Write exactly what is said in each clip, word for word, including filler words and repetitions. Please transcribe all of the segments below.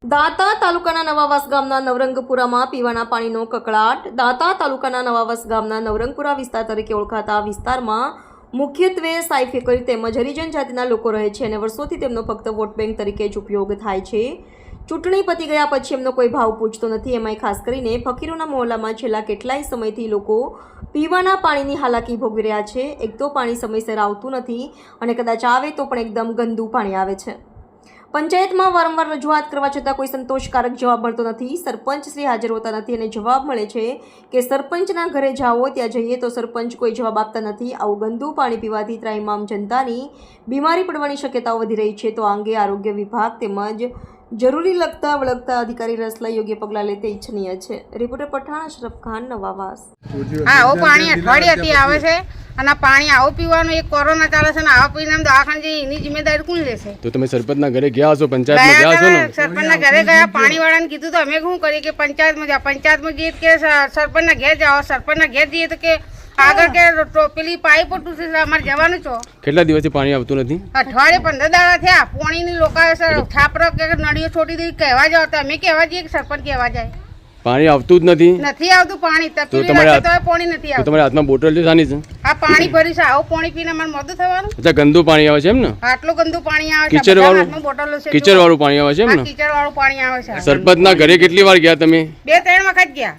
દાંતા તાલુકાના નવાવાસ ગામના નવરંગપુરામાં પીવાના પાણીનો કકળાટ. દાંતા તાલુકાના નવાવાસ ગામના નવરંગપુરા વિસ્તાર તરીકે ઓળખાતા વિસ્તારમાં મુખ્યત્વે સાઈ ફેકરી તેમજ હરિજન જાતિના લોકો રહે છે અને વર્ષોથી તેમનો ફક્ત વોટ બેંક તરીકે જ ઉપયોગ થાય છે. ચૂંટણી પતી ગયા પછી એમનો કોઈ ભાવ પૂછતો નથી. એમાંય ખાસ કરીને ફકીરોના મહોલ્લામાં છેલ્લા કેટલાય સમયથી લોકો પીવાના પાણીની હાલાકી ભોગવી રહ્યા છે. એક તો પાણી સમયસર આવતું નથી અને કદાચ આવે તો પણ એકદમ ગંદુ પાણી આવે છે. પંચાયતમાં વારંવાર રજૂઆત કરવા છતાં કોઈ સંતોષકારક જવાબ મળતો નથી. સરપંચ શ્રી હાજર હોતા નથી અને જવાબ મળે છે કે સરપંચના ઘરે જાઓ, ત્યાં જઈએ તો સરપંચ કોઈ જવાબ આપતા નથી. આવું ગંદુ પાણી પીવાથી ત્રાહિમામ જનતાની બીમારી પડવાની શક્યતાઓ વધી રહી છે. તો આ અંગે આરોગ્ય વિભાગ તેમજ જરૂરી લગતા વળગતા અધિકારી રસ લઈ યોગ્ય પગલાં લે તે ઇચ્છનીય છે. રિપોર્ટર પઠાણ અશરફ ખાન, નવાવાસ. હા, આવું પાણી અઠવાડિયાથી આવે છે અને પાણી આવું પીવાનું એક કોરોના ચાલે છે ને આવા પીને દવાખાને જઈ એની જિમ્મેદારી કોણ લેશે? તો તમે સરપંચના ઘરે ગયા છો, પંચાયતમાં ગયા છો ને? સરપંચના ઘરે ગયા, પાણી વાળાને કીધું તો અમે શું કરીએ કે પંચાયતમાં જાઓ. પંચાયતમાં જઈએ કે સરપંચના ઘેર જાઓ, સરપંચના ઘેર જઈએ તો કે આગળ કે પેલી પાઇપ તૂટી છે, અમારે જવાનું છો. કેટલા દિવસથી પાણી આવતું નથી? અઠવાડિયે પંદર દાડા થયા. પાણીની લોકો છાપરો કે નળીઓ છોડી દઈ કહેવા જાવ તો અમે કહેવા જઈએ કે સરપંચ કહેવા જાય. પાણી આવતું જ નથી. નથી આવતું પાણી. તો તમારે પાણી નથી આવતું. તમારા હાથમાં બોટલ છે સાની છે? આ પાણી ભરી છે. આવું પાણી પીને અમારે મોઢું થવાનું. અચ્છા, ગંદુ પાણી આવે છે એમ ને? આટલું ગંદુ પાણી આવે છે. કિચડ વાળું બોટલો છે. કિચડ વાળું પાણી આવે છે એમ ને? કિચડ વાળું પાણી આવે છે. સરપંચના ઘરે કેટલી વાર ગયા તમે? બે ત્રણ વખત ગયા.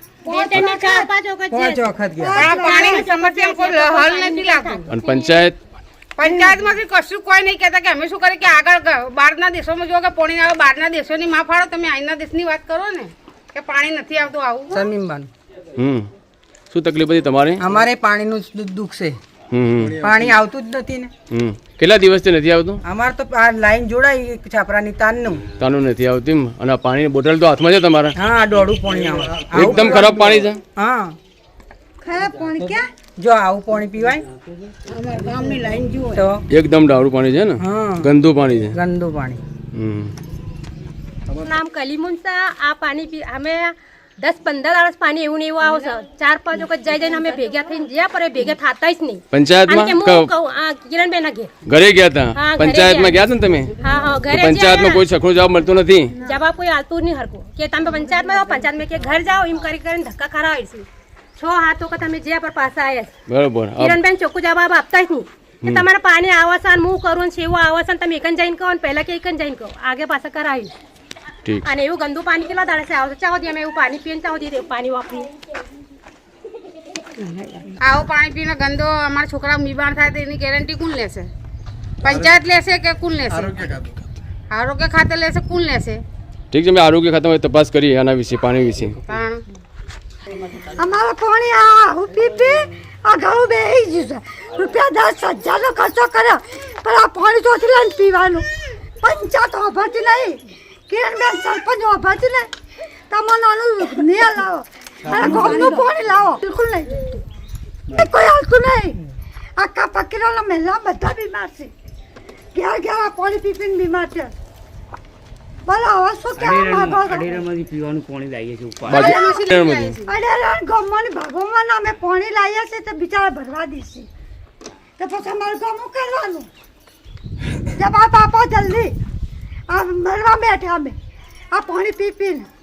અને પંચાયત પંચાયતમાંથી કશું કોઈ નહીં કહેતા કે અમે શું કરીએ કે આગળ બહારના દેશોમાં જો કે પાણી આવે, બહારના દેશોની માં ફાળો. તમે અહીંના દેશની વાત કરો ને કે પાણી નથી આવતું. આવું શમીમબાન. હમ શું તકલીફ હતી તમારે? અમારે પાણીનું જ દુઃખ છે. હમ પાણી આવતું જ નથી ને. હમ કેટલા દિવસથી નથી આવતું? અમારે તો આ લાઈન જોડાઈ છાપરાની તાનનું તાનું નથી આવતી. અને આ પાણીની બોટલ તો હાથમાં છે તમારા? હા, દોડું પાણી આવે. એકદમ ખરાબ પાણી છે. હા, ખરાબ પાણી ક્યાં? જો આવું પાણી પીવાય અમારા ગામની લાઈન જુઓ તો એકદમ ડાળું પાણી છે ને? હા, ગંદુ પાણી છે. ગંદુ પાણી. હમ નામ કલીમુનસા. આ પાણી પી અમે દસ પંદર વર્ષ પાણી એવું ને એવું આવે છે. ચાર પાંચ વખત જઈ જઈને અમે ભેગા થઈને જ્યાં પર ભેગા થતા જ નહીં. પંચાયતમાં કિરણબેન ના ઘેર ઘરે ગયા હતા? પંચાયતમાં ગયા હતા ને તમે? હા હા, ઘરે પંચાયતમાં કોઈ સખો જવાબ મળતો નથી. જવાબ કોઈ આવતું નહીં હરકું કે તમે પંચાયતમાં જાઓ, પંચાયતમાં કે ઘર જાઓ એમ કરી કરીને ધક્કા ખરાવીશું. છ હાથ વખત અમે જ્યાં પર પાછા આવ્યા. બરોબર. કિરણબેન ચોખ્ખું જવાબ આપતા જ નહીં કે તમારે પાણી આવે છે અને હું કરું છે એવું આવે છે ને તમે એકન જઈને કહો ને પહેલા કે એકન જઈને કહો, આગે પાછા કરાવી. અને એવું ગંદુ પાણી કેટલા દાડા છે આવશે? ચાહો દી અમે એવું પાણી પીને ચાહો દી પાણી વાપરીએ. આવું પાણી પીને ગંદો અમારા છોકરા બીમાર થાય તો એની ગેરંટી કોણ લેશે? પંચાયત લેશે કે કોણ લેશે? આરોગ્ય ખાતે લેશે, કોણ લેશે? ઠીક છે, અમે આરોગ્ય ખાતામાં તપાસ કરીએ આના વિશે, પાણી વિશે. અમારે પાણી આ પી પી આ ઘઉં બેસી ગયું છે. રૂપિયા દસ હજારનો ખર્ચો કર્યો પણ આ પાણી ચોથી લઈને પીવાનું. પંચાયત વાપરતી નહીં, કિરણબેન સરપંચ વાપરતી નહીં. તમારું નિયમ લાવો અને ગામનું પાણી લાવો. બિલકુલ નહીં, કોઈ હાલતું નહીં. આખા ફકીરોના મહિલા બધા બીમાર છે. ઘેર ઘેર આ પાણી પી પીને બીમાર છે. બોલો હવે શું કહેવા માંગો છો? પીવાનું પાણી લાવીએ છીએ. અડેરણ ગામની ભાગોમાં અમે પાણી લાવીએ છીએ તો બિચારા ભરવા દઈશું તો પછી અમારે ગામું કરવાનું. જવાબ આપો જલ્દી. આ મરવા બેઠા અમે આ પાણી પી પીને.